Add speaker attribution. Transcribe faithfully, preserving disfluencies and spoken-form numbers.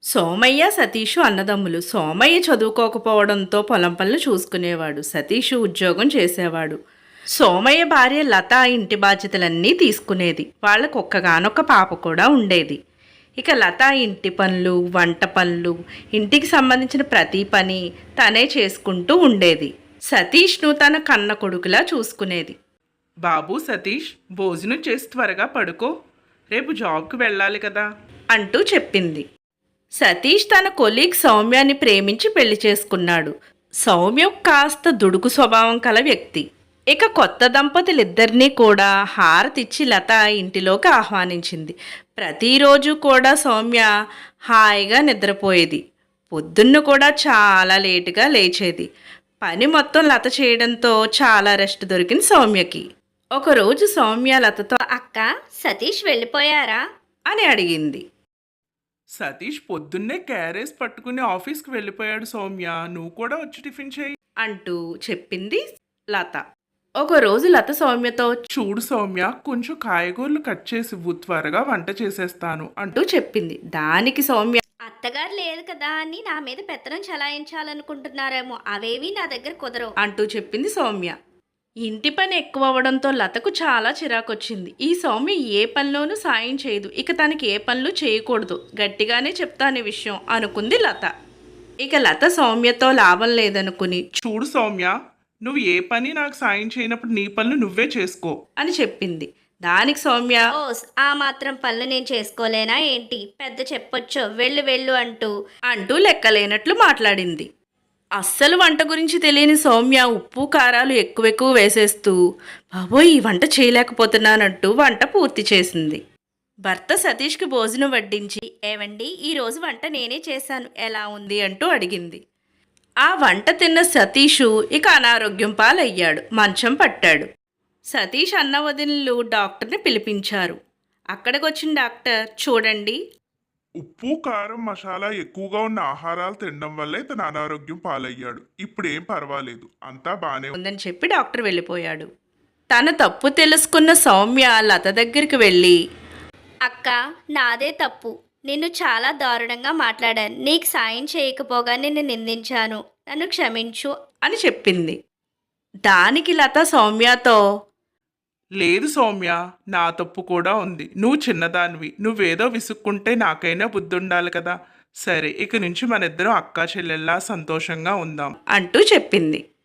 Speaker 1: సోమయ్య, సతీషు అన్నదమ్ములు. సోమయ్య చదువుకోకపోవడంతో పొలం పనులు చూసుకునేవాడు. సతీషు ఉద్యోగం చేసేవాడు. సోమయ్య భార్య లత ఇంటి బాధ్యతలన్నీ తీసుకునేది. వాళ్ళకు ఒక్కగానొక్క పాప కూడా ఉండేది. ఇక లత ఇంటి పనులు, వంట పనులు, ఇంటికి సంబంధించిన ప్రతి పని తనే చేసుకుంటూ ఉండేది. సతీష్ను తన కన్న కొడుకులా చూసుకునేది.
Speaker 2: బాబు సతీష్, భోజనం చేసి త్వరగా పడుకో, రేపు జాబ్కి వెళ్ళాలి కదా
Speaker 1: అంటూ చెప్పింది. సతీష్ తన కొలీగ్ సౌమ్యాన్ని ప్రేమించి పెళ్లి చేసుకున్నాడు. సౌమ్య కాస్త దుడుకు స్వభావం కల వ్యక్తి. ఇక కొత్త దంపతులిద్దరినీ కూడా హారతిచ్చి లత ఇంటిలోకి ఆహ్వానించింది. ప్రతిరోజు కూడా సౌమ్య హాయిగా నిద్రపోయేది. పొద్దున్న కూడా చాలా లేటుగా లేచేది. పని మొత్తం లత చేయడంతో చాలా రెస్ట్ దొరికింది సౌమ్యకి. ఒకరోజు సౌమ్య లతతో
Speaker 3: అక్క, సతీష్ వెళ్ళిపోయారా
Speaker 1: అని అడిగింది.
Speaker 2: సతీష్ పొద్దున్నే క్యారేజ్ పట్టుకుని ఆఫీస్కి వెళ్ళిపోయాడు సౌమ్య, నువ్వు కూడా వచ్చి టిఫిన్ చేయి
Speaker 1: అంటూ చెప్పింది లత. ఒకరోజు లత సౌమ్యతో
Speaker 2: చూడు సౌమ్య, కొంచెం కాయగూరలు కట్ చేసి ఇవ్వు, త్వరగా వంట చేసేస్తాను అంటూ
Speaker 1: అంటూ చెప్పింది. దానికి సౌమ్య
Speaker 3: అత్తగారు లేదు కదా అని నా మీద పెత్తనం చలాయించాలనుకుంటున్నారేమో, అవేవి నా దగ్గర కుదరవు
Speaker 1: అంటూ చెప్పింది సౌమ్య. ఇంటి పని ఎక్కువ అవ్వడంతో లతకు చాలా చిరాకొచ్చింది. ఈ సౌమ్య ఏ పనిలోనూ సాయం చేయదు, ఇక తనకి ఏ పనులు చేయకూడదు, గట్టిగానే చెప్తాను ఈ విషయం అనుకుంది లత. ఇక లత సౌమ్యతో లాభం లేదనుకుని
Speaker 2: చూడు సౌమ్య, నువ్వు ఏ పని నాకు సాయం చేయనప్పుడు నీ పనులు నువ్వే చేసుకో
Speaker 1: అని చెప్పింది. దానికి సౌమ్య
Speaker 3: ఓ ఆ మాత్రం పనులు నేను చేసుకోలేనా ఏంటి, పెద్ద చెప్పొచ్చు, వెళ్ళు వెళ్ళు అంటూ
Speaker 1: అంటూ లెక్కలేనట్లు మాట్లాడింది. అస్సలు వంట గురించి తెలియని సౌమ్య ఉప్పు కారాలు ఎక్కువెక్కువ వేసేస్తూ బాబోయ్ ఈ వంట చేయలేకపోతున్నానంటూ వంట పూర్తి చేసింది. భర్త సతీష్కి భోజనం వడ్డించి
Speaker 3: ఏవండి, ఈరోజు వంట నేనే చేశాను, ఎలా ఉంది
Speaker 1: ఉంది అంటూ అడిగింది. ఆ వంట తిన్న సతీషు ఇక అనారోగ్యం పాలయ్యాడు, మంచం పట్టాడు. సతీష్ అన్న వదినలు డాక్టర్ని పిలిపించారు. అక్కడికి వచ్చిన డాక్టర్ చూడండి,
Speaker 4: ఉప్పు కారం మసాలా ఎక్కువగా ఉన్న ఆహారాలు తినడం వల్లే తన అనారోగ్యం పాలయ్యాడు. ఇప్పుడు ఏం పర్వాలేదు, అంతా బానే ఉంది.
Speaker 1: ఉందని చెప్పి డాక్టర్ వెళ్ళిపోయాడు. తన తప్పు తెలుసుకున్న సౌమ్య లత దగ్గరికి వెళ్ళి
Speaker 3: అక్క, నాదే తప్పు, నిన్ను చాలా దారుణంగా మాట్లాడాను, నీకు సాయం చేయకపోగా నిన్ను నిందించాను, నన్ను క్షమించు
Speaker 1: అని చెప్పింది. దానికి లత సౌమ్యతో
Speaker 2: లేదు సౌమ్య, నా తప్పు కూడా ఉంది, నువ్వు చిన్నదానివి, నువ్వేదో విసుక్కుంటే నాకైనా బుద్ధి ఉండాలి కదా. సరే, ఇక నుంచి మన ఇద్దరం అక్కా చెల్లెల్లా సంతోషంగా ఉందాం
Speaker 1: అంటూ చెప్పింది.